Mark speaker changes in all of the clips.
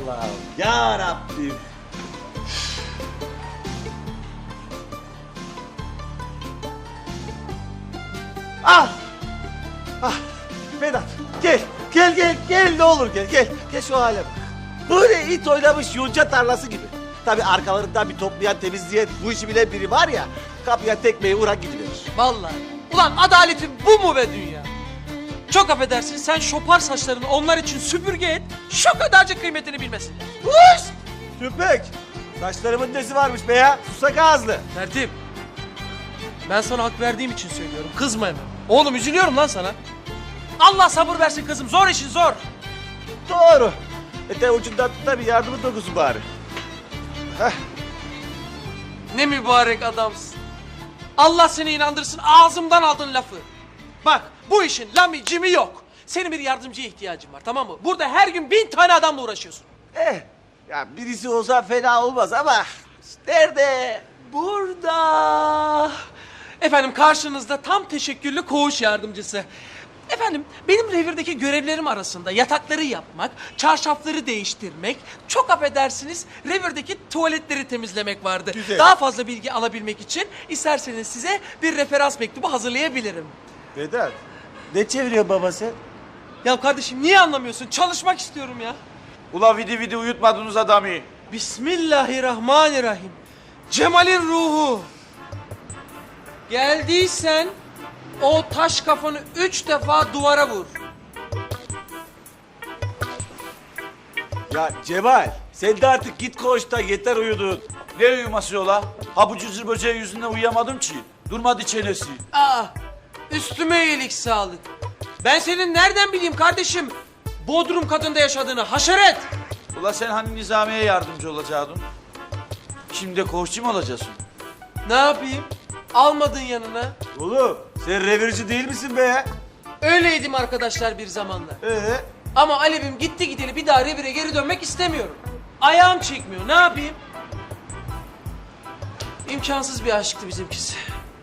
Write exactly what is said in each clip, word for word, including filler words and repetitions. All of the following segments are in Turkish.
Speaker 1: Allah'ım ya Rabbim. Ah! Ah! Vedat gel, gel gel gel ne olur gel gel. Gel şu hale bak. Böyle it oynamış yonca tarlası gibi. Tabii arkalarından bir toplayan temizleyen bu işi bilen biri var ya, kapıya tekmeyi vuran gidiverir.
Speaker 2: Vallahi. Ulan adaletin bu mu be dünya? Çok affedersin, sen şopar saçlarını onlar için süpürge et, şu kadarcık kıymetini bilmesinler.
Speaker 1: Uş! Tüpek! Saçlarımın nesi varmış be ya? Susak ağızlı.
Speaker 2: Tertip. Ben sana hak verdiğim için söylüyorum, kızma hemen. Oğlum üzülüyorum lan sana. Allah sabır versin kızım, zor işin zor.
Speaker 1: Doğru. Ete ucundan tut da bir yardımın dokusun bari. Heh.
Speaker 2: Ne mübarek adamsın. Allah seni inandırsın, ağzımdan aldın lafı. Bak, bu işin lami cimi yok. Senin bir yardımcıya ihtiyacın var, tamam mı? Burada her gün bin tane adamla uğraşıyorsun.
Speaker 1: Eh, ya birisi olsa fena olmaz ama nerede?
Speaker 2: Burada. Efendim karşınızda tam teşekküllü koğuş yardımcısı. Efendim benim revirdeki görevlerim arasında yatakları yapmak, çarşafları değiştirmek, çok affedersiniz revirdeki tuvaletleri temizlemek vardı.
Speaker 1: Güzel.
Speaker 2: Daha fazla bilgi alabilmek için isterseniz size bir referans mektubu hazırlayabilirim.
Speaker 1: Vedat, ne çeviriyor babası?
Speaker 2: Ya kardeşim niye anlamıyorsun? Çalışmak istiyorum ya.
Speaker 3: Ula vidi vidi uyutmadınız adamı.
Speaker 2: Bismillahirrahmanirrahim. Cemal'in ruhu. Geldiysen o taş kafanı üç defa duvara vur.
Speaker 1: Ya Cemal, sen de artık git koğuşta yeter uyudun.
Speaker 3: Ne uyuması ola? Ha bu cızır böceği yüzünden uyuyamadım ki. Durmadı çenesi.
Speaker 2: Aa, üstüme iyilik sağlık. Ben senin nereden bileyim kardeşim? Bodrum katında yaşadığını haşeret.
Speaker 3: Ula sen hani Nizamiye yardımcı olacaktın? Şimdi de koğuşçu mu olacaksın?
Speaker 2: Ne yapayım? Almadın yanına.
Speaker 1: Oğlum, sen revirci değil misin be ya?
Speaker 2: Öyleydim arkadaşlar bir zamanlar.
Speaker 1: Ee?
Speaker 2: Ama Alev'im gitti gideli bir daha revire geri dönmek istemiyorum. Ayağım çekmiyor. Ne yapayım? İmkansız bir aşktı bizimkisi.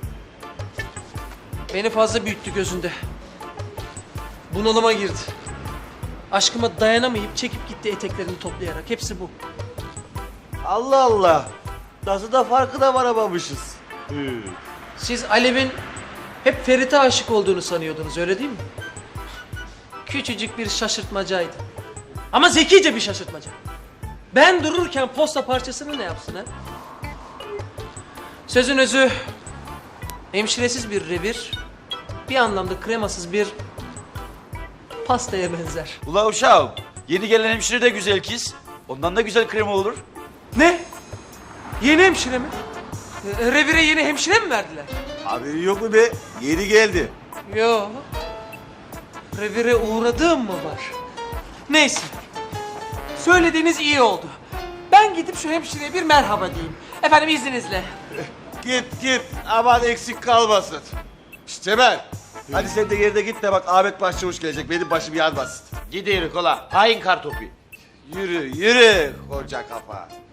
Speaker 2: Beni fazla büyüttü gözünde. Bunalıma girdi. Aşkıma dayanamayıp çekip gitti eteklerini toplayarak. Hepsi bu.
Speaker 1: Allah Allah. Nasıl da farkına varamamışız. Hı.
Speaker 2: Siz Alev'in hep Ferit'e aşık olduğunu sanıyordunuz, öyle değil mi? Küçücük bir şaşırtmacaydı. Ama zekice bir şaşırtmaca. Ben dururken posta parçasını ne yapsın ha? Sözün özü, hemşiresiz bir revir, bir anlamda kremasız bir pastaya benzer.
Speaker 3: Ula uşağım, yeni gelen hemşire de güzel kız. Ondan da güzel krema olur.
Speaker 2: Ne? Yeni hemşire mi? E, Revire yeni hemşire mi verdiler?
Speaker 1: Haberi yok mu be? Yeni geldi.
Speaker 2: Yo. Revire uğradığım mı var? Neyse. Söylediğiniz iyi oldu. Ben gidip şu hemşireye bir merhaba diyeyim. Efendim izninizle.
Speaker 1: Git git aman eksik kalmasın. Şşt Cemal. Hadi sen de yerine git de bak Ahmet Başçavuş gelecek. Benim başım yanmasın.
Speaker 3: Gidiyoruz ola. Hain kartopu.
Speaker 1: Yürü yürü koca kafa.